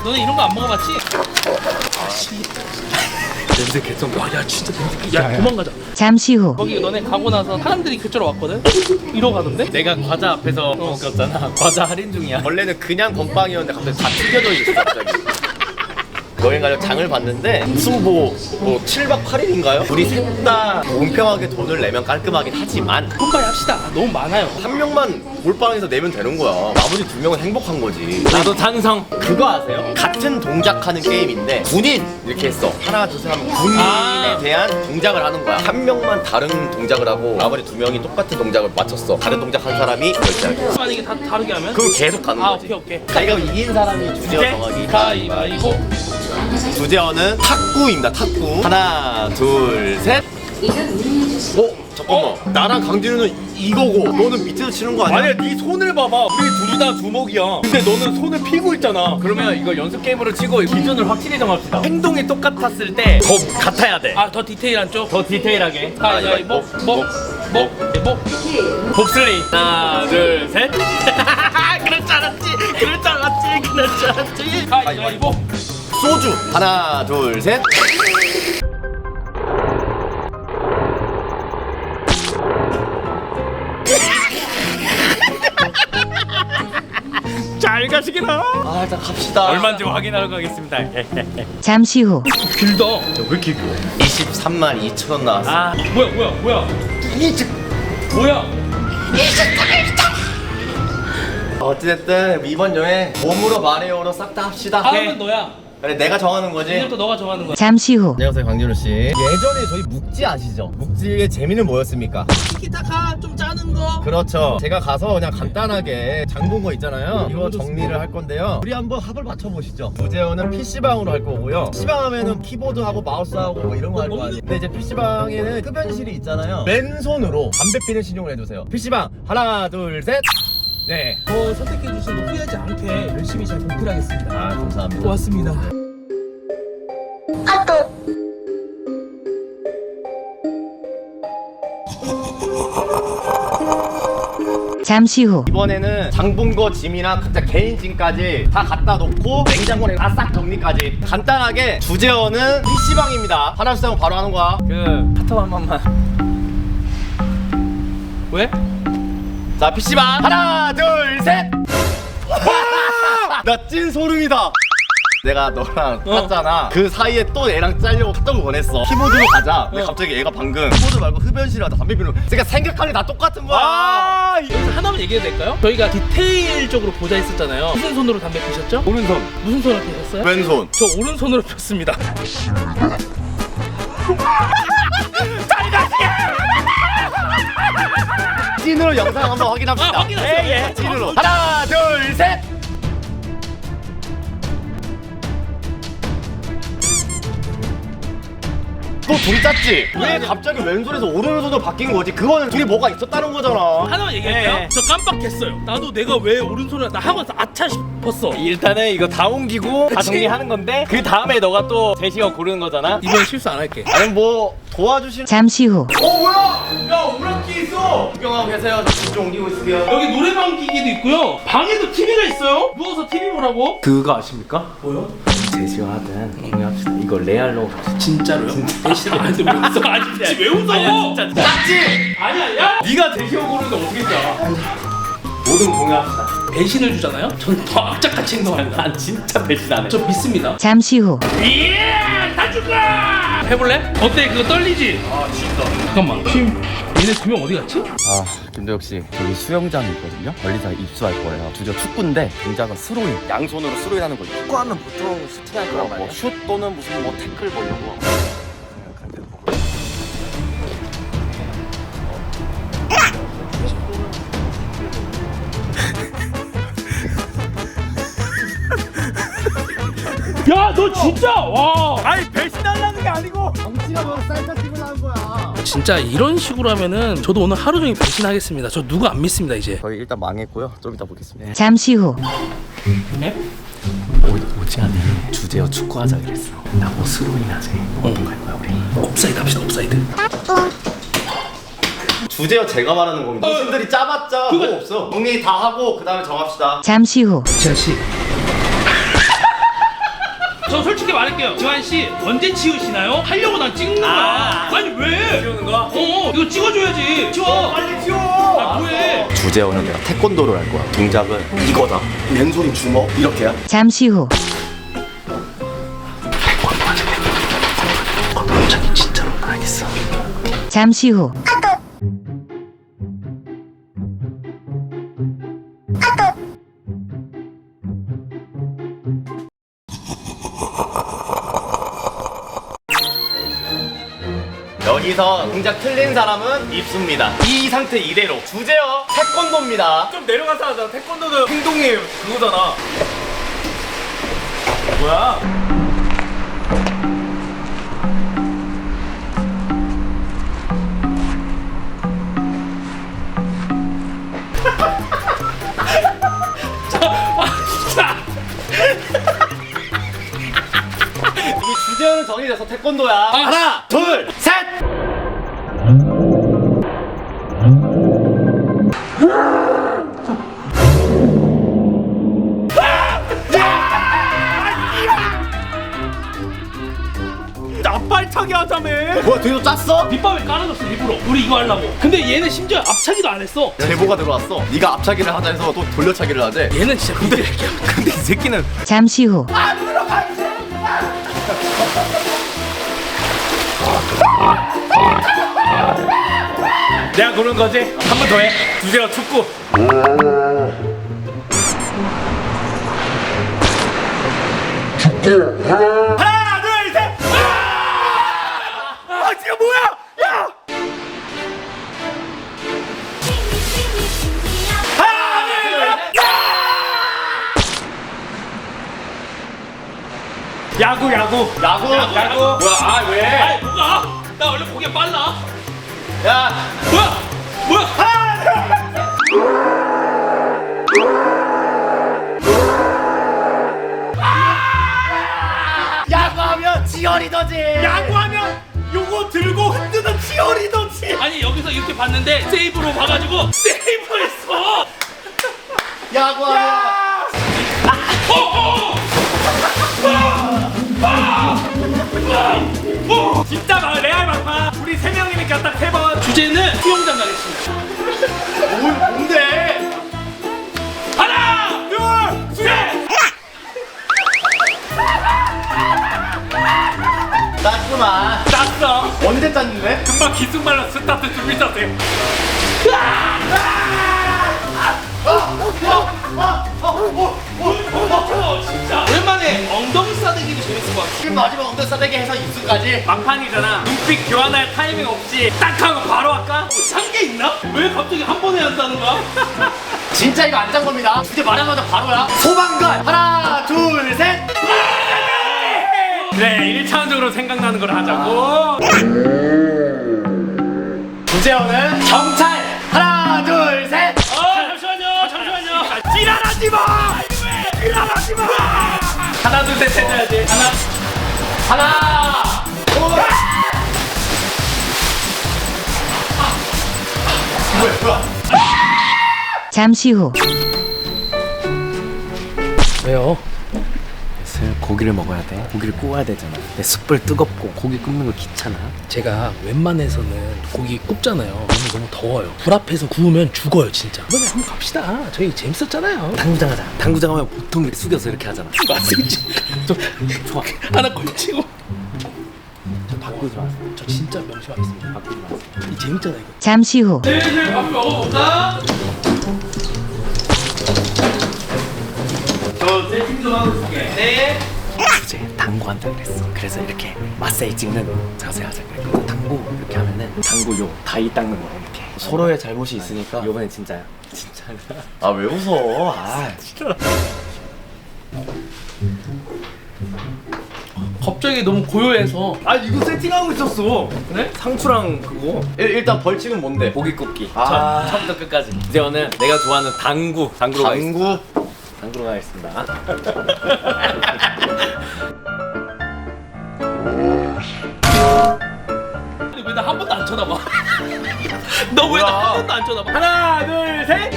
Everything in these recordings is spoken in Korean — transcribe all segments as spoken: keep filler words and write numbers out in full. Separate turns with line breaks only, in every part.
너네 이런 거 안 먹어봤지? 아씨 냄새 개성. 와야 진짜 냄새. 야, 야 도망가자.
잠시 후
거기 너네 가고 나서 사람들이 그쪽으로 왔거든? 이러고 가던데?
내가 과자 앞에서
어.
먹었잖아. 과자 할인 중이야. 원래는 그냥 건빵이었는데 갑자기 다 튀겨져 있어 갑자기. 여행 가서 장을 봤는데 무슨 뭐, 뭐 칠 박 팔 일인가요? 우리 셋 다 공평하게 돈을 내면 깔끔하긴 하지만
콤바이 합시다. 너무 많아요.
한 명만 몰빵해서 내면 되는 거야. 나머지 두 명은 행복한 거지. 나도 찬성. 그거 아세요? 같은 동작하는 게임인데 군인 이렇게 했어. 하나 둘 셋 하면 군인에
아.
대한 동작을 하는 거야. 한 명만 다른 동작을 하고 나머지 두 명이 똑같은 동작을 맞췄어. 다른 동작 한 사람이 결제하기.
만약에 다 다르게 하면?
그럼 계속 가는
아
거지.
오케이 오케이.
가위가 이긴 사람이 주제어 정하기.
가위바위보.
주제어는 탁구입니다. 탁구. 하나, 둘, 셋. 어? 잠깐만. 어? 나랑 강진우는 이거고 너는 밑에서 치는 거 아니야?
아니야, 네 손을 봐봐. 우리 둘 다 주먹이야. 근데 너는 손을 피고 있잖아.
그러면 이거 연습 게임으로 치고 기준을 확실히 정합시다. 행동이 똑같았을 때 더 같아야 돼.
아 더 디테일한 쪽.
더 디테일하게.
가위바위보. 목. 목. 목.
봅슬레이. 하나, 둘, 셋. 그럴 줄 알았지. 그럴 줄 알았지. 그럴 줄 알았지.
가위바위보.
소주. 하나, 둘, 셋.
잘 가시기나.
아, 일단 갑시다.
얼마인지 확인하러 가겠습니다.
잠시 후
길다.
왜 이렇게 길어?
이십삼만 이천 원 나왔어.
아 뭐야 뭐야 뭐야. 뭐야.
어찌됐든 이번 여행 몸으로 말해요로 싹 다 합시다.
다음은 너야.
그래, 내가 정하는 거지.
이제부터 너가 정하는 거야.
잠시 후
안녕하세요, 강진우 씨. 예전에 저희 묵지 아시죠? 묵지의 재미는 뭐였습니까?
티키타카 좀 짜는 거.
그렇죠. 제가 가서 그냥 간단하게 장 본 거 있잖아요. 이거 정리를 할 건데요. 우리 한번 합을 맞춰보시죠. 주제어는 피시방으로 할 거고요. 피시방 하면은 키보드하고 마우스하고 뭐 이런 거 할 거 아니에요. 근데 이제 피시방에는 흡연실이 있잖아요. 맨손으로 담배 피는 신용을 해주세요. 피시방 하나, 둘, 셋. 네.
저 선택해 주신 거 후회하지 않게 열심히 잘 공부하겠습니다.
아, 감사합니다.
고맙습니다.
잠시 후
이번에는 장본 거 짐이나 각자 개인 짐까지 다 갖다 놓고 냉장고에 다 싹 정리까지. 간단하게 주제어는 피시방입니다. 하나 둘 셋 하면 바로 하는 거야.
그 카톡 한 번만.
왜?
자, 피시방 하나 둘 셋. 나 찐 소름이다. 내가 너랑
어.
탔잖아. 그 사이에 또 얘랑 짜려고 카톡을 보냈어. 키보드로 가자. 근데
어.
갑자기 얘가 방금 키보드 말고 흡연실에 가다 담배 피는. 그러니까 생각하는 게 다 똑같은 거야.
아, 여기서 하나만 얘기해도 될까요? 저희가 디테일적으로 보자 했었잖아요. 무슨 손으로 담배 피셨죠?
오른손,
무슨 손으로 피셨어요?
왼손.
저 오른손으로 폈습니다.
찐으로 영상 한번 확인합시다.
아, 확인하세요.
예, 예. 찐으로. 하나 둘 셋. 그거 둘이 짰지? 왜 갑자기 왼손에서 오른손으로 바뀐 거지? 그거는 둘이 뭐가 있었다는 거잖아.
하나만 얘기할게요.
예.
저 깜빡했어요. 나도 내가 왜 오른손을 나 하고 나서 아차 싶었어.
일단은 이거 다 옮기고 다
그치?
정리하는 건데 그 다음에 너가 또 제시어 고르는 거잖아.
이번 실수 안 할게.
아니 뭐 도와주시는.
잠시 후
어 뭐야? 야 오락기 있어. 구경하고 계세요. 저 진짜 옮기고 있을게요.
여기 노래방 기기도 있고요. 방에도 티비가 있어요. 누워서 티비 보라고.
그거 아십니까?
뭐요?
제시어 하든 공유합시다. 이거 레알로
진짜로요? 대신 안 들고 있어. 아니 진짜 왜 웃어?
아니야, 진짜.
짰지?
아니야 야.
네가 제시어 고르는데 어떻게 짜? 모든 공유합시다.
배신을 주잖아요. 전 더 악착같이 행동합니다.
난 진짜 배신 안 해.
저 믿습니다.
잠시 후
예! 다 죽어! 해볼래? 어때? 그거 떨리지?
아 진짜.
잠깐만. 팀 얘네 두 명 어디 갔지?
아, 김도혁 씨, 여기 수영장이 있거든요. 멀리서 입수할 거예요. 주저 축구인데 동작은 스로잉. 양손으로 스로잉 하는 거죠. 축구하면 보통 슈팅할 거란 말이에요. 뭐 슛 또는 무슨 뭐 태클 뭐 이런 거.
야, 너 진짜 와.
아니 배신하려는 게 아니고.
정치가 뭐 쌀다 찍으려는 거야.
진짜 이런 식으로 하면은 저도 오늘 하루 종일 배신하겠습니다. 저 누구 안 믿습니다 이제.
저희 일단 망했고요. 좀 이따 보겠습니다.
잠시 후
네?
오, 오지 않은 주제어 축구하자 그랬어. 나 뭐 스로잉 하지. 어떤 갈 거야 우리?
옵사이드 합시다. 옵사이드.
주제어 제가 말하는 겁니다. 당신들이 짜봤자
그거-
뭐 없어. 정리 다 하고 그 다음에 정합시다.
잠시 후
지아 씨. 저 솔직히 말할게요. 지환 씨 언제 치우시나요? 하려고 난 찍는 거야.
아.
아니 왜?
치우는 거야?
어 이거 찍어줘야지. 치워.
빨리 치워.
아 뭐해?
주재원은 내가 태권도를 할 거야. 동작은 이거다. 왼손이 주먹 이렇게야.
잠시 후
갑자기 진짜로 알겠어.
잠시 후
여기서 동작 틀린 사람은 입수입니다. 이 상태 이대로 주제어 태권도입니다.
좀 내려가서 하자. 태권도는 행동이 그거잖아. 뭐야?
이 주제어는 정해져서 태권도야. 하나, 둘, 셋.
나빨차게 하자며.
뭐야, 뒤에도 짰어?
밑밥에 깔아줬어 일부러. 우리 이거 하려고. 근데 얘는 심지어 앞차기도 안 했어.
제보가 들어왔어. 네가 앞차기를 하자 해서 또 돌려차기를 하재.
얘는 진짜 근데
근데 이 새끼는
잠시 후
내가 고른 거지? 한 번 더 해. 주제어 축구. 하나, 둘, 셋. 아! 아, 지금 뭐야? 야! 하나, 둘, 셋. 야구, 야구.
야구,
야구. 뭐야? 아, 왜?
아이 뭐가? 나 원래 보기엔 빨라.
야,
뭐야? 뭐야?
야구하면 치어리더지.
야구하면 요거 들고 흔드는 치어리더지.
아니 여기서 이렇게 봤는데 세이브로 봐가지고 세이브했어.
야구하면.
진짜 막 레알 막파. 우리 세 명이니까 딱 세 번.
주제는 수영장 가겠습니다.
뭘 뭔데?
하나,
둘, 셋.
짰구만.
땄어.
언제 짰는데?
금방 기승말로 스타트 준비 자세.
어, 진짜 오랜만에 엉덩이 싸대기도 재밌을 것 같아.
지금 마지막 엉덩이 싸대기 해서 입수까지.
막판이잖아. 눈빛 교환할 타이밍 없이 딱 하고 바로 할까?
한게 있나? 왜 갑자기 한 번에 한다는 거야?
진짜 이거 안 짠 겁니다. 주제 말하자마자 바로야. 소방관. 하나, 둘, 셋.
그래, 일 차원적으로 생각나는 걸 하자고.
주제어는 경찰. 하나, 둘, 셋.
어 잠시만요, 잠시만요.
지랄하지 마! 지랄하지 마! 하나, 둘, 셋 해줘야지. 하나.
하나. 둘. 뭐야, 뭐야.
잠시 후
왜요?
슬 고기를 먹어야 돼. 고기를 구워야 되잖아. 내 숯불 뜨겁고 고기 굽는 거 귀찮아.
제가 웬만해서는 고기 굽잖아요. 너무 너무 더워요. 불 앞에서 구우면 죽어요 진짜. 이번에 한번 갑시다. 저희 재밌었잖아요.
당구장 하자. 당구장 하면 보통 이렇게 숙여서 이렇게 하잖아.
맞습니다.
좋아.
하나 걸치고.
저 바꾸지 마세요.
저 진짜 명심하겠습니다.
바꾸지 마세요.
이 재밌잖아 이거.
잠시 후
슬슬 밥 먹어볼까? 저 세팅 좀 하고 있을게. 네.
주제 당구 한다 그랬어. 그래서 이렇게 마사지 찍는 자세 하자 그랬거든. 당구 이렇게 하면은 당구 요 다이 닦는 거야 이렇게. 서로의 잘못이 있으니까 요번엔 진짜야. 진짜야.
아, 왜 웃어? 아,
갑자기 너무 고요해서.
아, 이거 세팅하고 있었어.
그래?
상추랑 그거.
일, 일단 벌칙은 뭔데?
고기 굽기.
아.
처음부터 끝까지. 이제는 내가 좋아하는 당구. 당구로 가겠습니다.
당구.
당구로 가겠습니다.
근데 왜 나 한 번도 안 쳐다봐? 너 왜 나
뭐야?
한 번도 안 쳐다봐?
하나, 둘, 셋.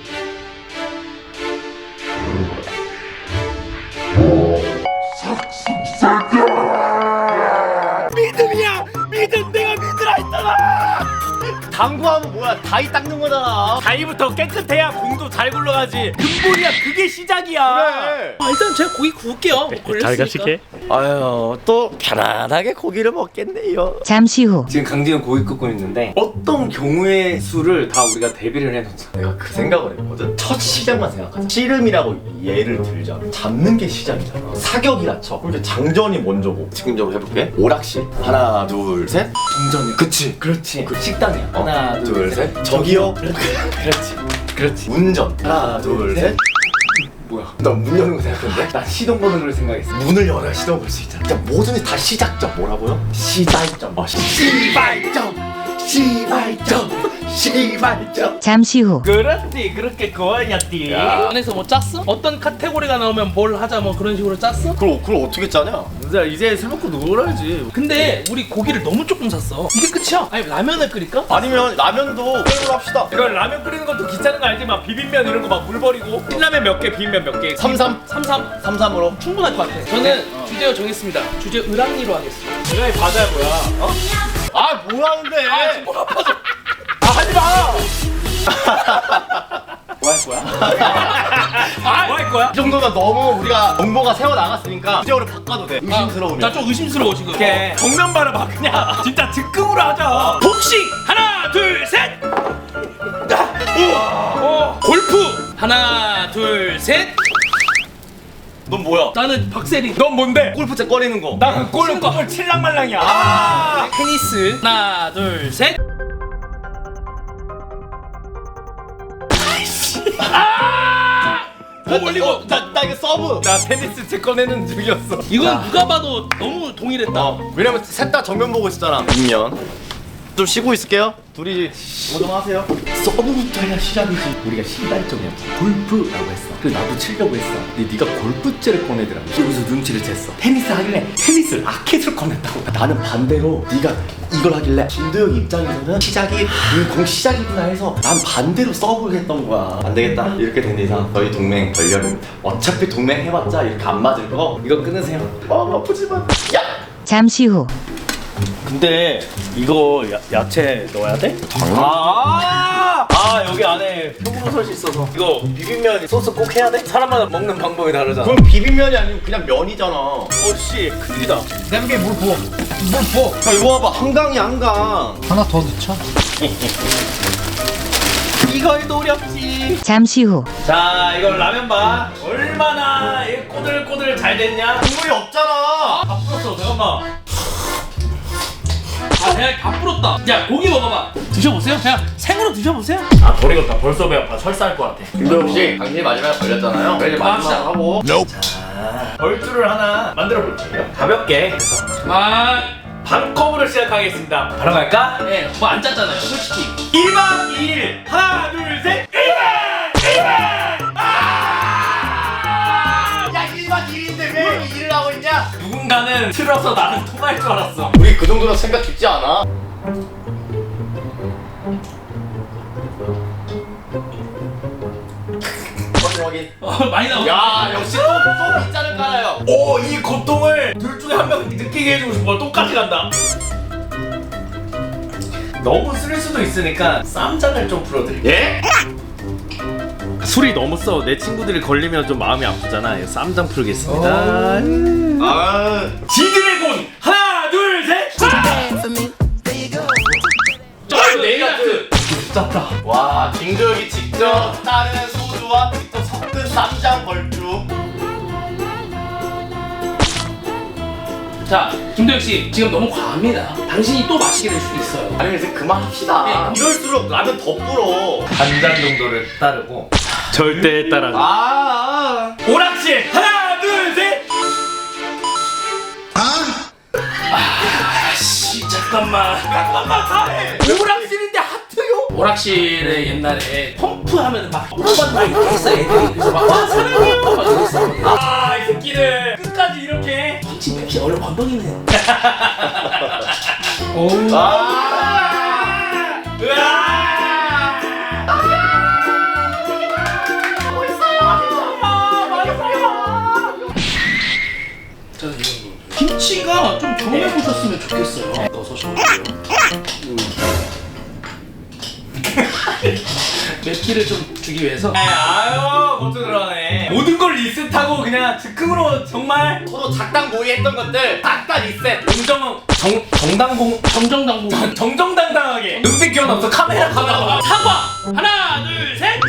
삭스
당구하면 뭐야? 다이 닦는 거잖아.
다이부터 깨끗해야 공도 잘 굴러가지. 근본이야, 그게 시작이야.
그래.
아, 일단 제가 고기 구울게요. 뭐 걸렸으니까.
아유, 또 편안하게 고기를 먹겠네요.
잠시 후.
지금 강진은 고기 굽고 있는데 어떤 경우의 수를 다 우리가 대비를 해놓자.
내가 그 생각을 했거든. 첫 시작만 생각하자. 씨름이라고 예를 들자. 잡는 게 시작이잖아. 사격이라 쳐. 그러니까 장전이 먼저고. 지금적으로 해볼게. 오락실. 하나, 둘, 셋.
동전이.
그치.
그렇지. 그 식당이야.
어?
하나,
둘, 셋. 저기요.
그렇지. 그렇지.
운전. 하나, 둘, 셋.
뭐야?
나 문 여는 거 생각했는데?
난 시동 거는 걸 생각했어.
문을 열어야 시동 걸 수 있잖아. 진짜 뭐든지 다 시작점. 뭐라고요? 시발점. 어, 시발점. 시발점. 시발점.
잠시 후.
그렇지, 그렇게 고아냐띠.
안에서 뭐 짰어? 어떤 카테고리가 나오면 뭘 하자 뭐 그런 식으로 짰어?
그걸, 그걸 어떻게 짜냐?
이제 이제 술 먹고 놀아야지.
근데 우리 고기를 너무 조금 샀어. 이게 끝이야? 아니 라면을 끓일까?
아니면 라면도 게임으로 합시다.
이걸 라면 끓이는 것도 귀찮은 거 알지? 막 비빔면 이런 거 막 물 버리고 신라면 몇 개, 비빔면 몇 개.
삼삼.
삼삼
삼삼으로.
충분할 것 같아. 저는 주제 정했습니다. 주제 을랑리로 하겠습니다.
내가 이 바다야 뭐야? 어?
아, 뭐 하는데?
아 지금 뭘 아파서.
아 하지 마.
뭐 할 거야?
아, 뭐 할 거야?
이 정도면 너무 우리가 정보가 새어 나갔으니까 주제어를 바꿔도 돼. 의심스러우면.
나 좀 의심스러워 지금.
오케이. 정면 바라봐 그냥. 진짜 즉흥으로 하자.
복싱 하나 둘 셋. 오. 골프 하나 둘 셋.
넌 뭐야?
나는 박세리.
넌 뭔데?
골프채 꺼내는 거.
나그 골을 골 칠랑말랑이야. 아.
테니스 하나 둘 셋.
뭐 올리고. 나, 나 이거 서브.
나 테니스 채 꺼내는 중이었어.
이건 누가 봐도 너무 동일했다.
어, 왜냐면 셋 다 정면 보고 있었잖아. 뒷면. 좀 쉬고 있을게요. 둘이 뭐 좀 하세요. 서브부터 해야 시작이지. 우리가 시발점이었어. 골프라고 했어. 그래서 나도 치려고 했어. 근데 네가 골프채를 꺼내더라고. 여기서 눈치를 챘어. 테니스 하길래 테니스 라켓을 꺼냈다고. 나는 반대로 네가 이걸 하길래 김도영 입장에서는 시작이 음, 공 시작이구나 해서 난 반대로 서브를 했던 거야. 안 되겠다. 이렇게 된 이상 저희 동맹 결렬입니다. 어차피 동맹 해봤자 이렇게 안 맞을 거. 이거 끊으세요. 마음 아프지만. 야!
잠시 후.
근데 이거 야, 야채 넣어야 돼? 아, 아 여기 안에 표고버섯이 있어서 이거 비빔면 소스 꼭 해야 돼? 사람마다 먹는 방법이 다르잖아.
그럼 비빔면이 아니고 그냥 면이잖아.
어씨 큰일이다.
냄비에 물 부어. 물 부어. 야, 이거 봐봐. 한강이 한강.
하나 더 넣자.
이걸 노렸지.
잠시 후.
자 이걸 라면 봐. 얼마나 이 꼬들꼬들 잘 됐냐?
국물이 없잖아.
다 풀었어. 잠깐만.
아 그냥 다 불었다. 야 고기 먹어봐. 드셔보세요. 그냥 생으로 드셔보세요.
아 버리겠다. 벌써 배 아파. 설사할 것 같아.
김도영 씨, 당신이 마지막에 걸렸잖아요. 그래 이제 마지막 하고.
자 벌주를 하나 만들어 볼게요. 가볍게.
아,
반컵으로 시작하겠습니다. 바로 갈까?
예, 뭐 안 짰잖아요, 솔직히.
일박 이일 하나 둘 셋. 일박 일박.
야, 일박 이일인데 왜 일을 하고 있냐?
누군가는 틀어서 나는 통할 줄 알았어.
우리 그 정도로 생각 깊지 않아? 확인 확인.
어, 많이 나오네.
야, 역시 또또 빗자를 깔아요.
오, 이 고통을 둘 중에 한 명 느끼게 해주고 싶어. 똑같이 간다. 너무 쓸 수도 있으니까 쌈장을 좀 풀어드릴게요.
예?
술이 너무 써. 내 친구들이 걸리면 좀 마음이 아프잖아. 쌈장 풀겠습니다.
아,
지드래곤 하나 둘 셋.
저 네일 아트.
짰다.
와, 김도영이 직접 따르는 소주와 직접 섞은 쌈장 벌주.
자, 김도영 씨, 지금 너무 과합니다. 당신이 또 마시게 될 수도 있어요.
아니 이제 그만합시다.
네.
이럴수록 라면 더 불어.
한 잔 정도를 따르고 절대 따라가.
아, 아.
오락실 하나 둘 셋.
씨, 잠깐만.
잠깐만 다해. 오락실인데 하트요?
오락실에 옛날에 펌프하면 막 오빠도 막 이렇게 했어 애들이. 그래서 막 와, 사랑해요. 막 이랬어.
아, 이 새끼들 끝까지 이렇게.
지 펩시 얼른 건더기네.
아.
으아!
자, 이 정도. 김치가 좀 경험해 보셨으면 좋겠어요. 넣어서 좀. 맵기를 좀 주기 위해서.
아유 그것도 그러네. 모든 걸 리셋하고 그냥 즉흥으로 정말
서로 작당 모의했던 것들 딱 다 리셋.
정정 정 정당공
정정당국.
정정당당하게 눈빛 교환 없어. 카메라 카메라.
사과. 하나, 둘, 셋.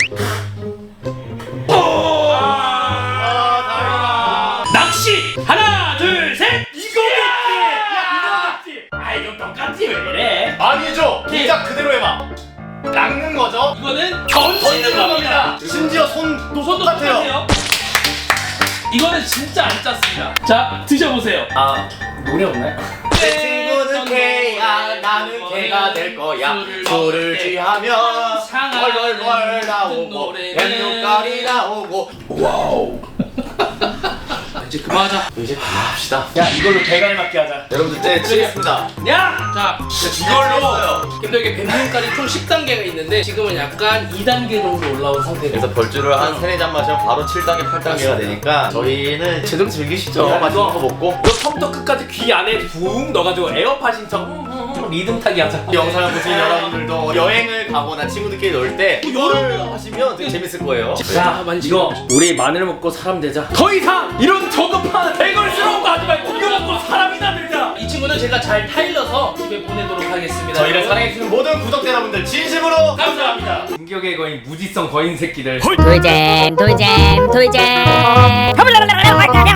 아,
낚시. 하나, 둘, 셋.
이거겠지. 이거겠지. 아 이거 똑같지 왜 이래?
아니죠. 동작 그대로 해봐. 낚는 거죠.
이거는 던지는 겁니다.
심지어 손도
손도 똑같아요. 이거는 진짜 안 짰습니다. 자, 드셔보세요.
아 노래 없나요?
내 친구는 개야, 나는 개가 될 거야. 술을 취하면 헐헐헐 나오고 뱀눈깔이 나오고.
와우. 이제 그만하자.
이제 그만합시다.
야 이걸로 대가리 맞게 하자.
여러분들 때 치겠습니다.
야!
자,
이걸로
힘들게 뱀눈깔이 총 십 단계가 있는데 지금은 약간 이 단계 정도 올라온 상태예요.
그래서 벌주를 한 세네 잔 마시면 바로 칠 단계, 팔 단계가 되니까 저희는 제대로 즐기시죠.
야,
맛있는
이거-
거 먹고.
이거 처음부터 끝까지 귀 안에 붕 넣어가지고 에어팟 신청 음, 음, 음, 리듬 타기 하자.
이 영상을 보신 여러분들도 여행을 가거나 친구들끼리 놀 때 이거를 하시면 되게 재밌을 거예요.
자,
많이
이거 우리 마늘 먹고 사람 되자. 더 이상 이런 저급한 대걸스러운 거 하지 말고 이거 먹고 사람이나 되자.
이 친구는 제가 잘 타일러서 집에 보내도록 하겠습니다.
저희를 사랑해주시는 모든 구독자 여러분들 진심으로
감사합니다.
공격의 거인 무지성 거인 새끼들.
돌잼 돌잼 돌잼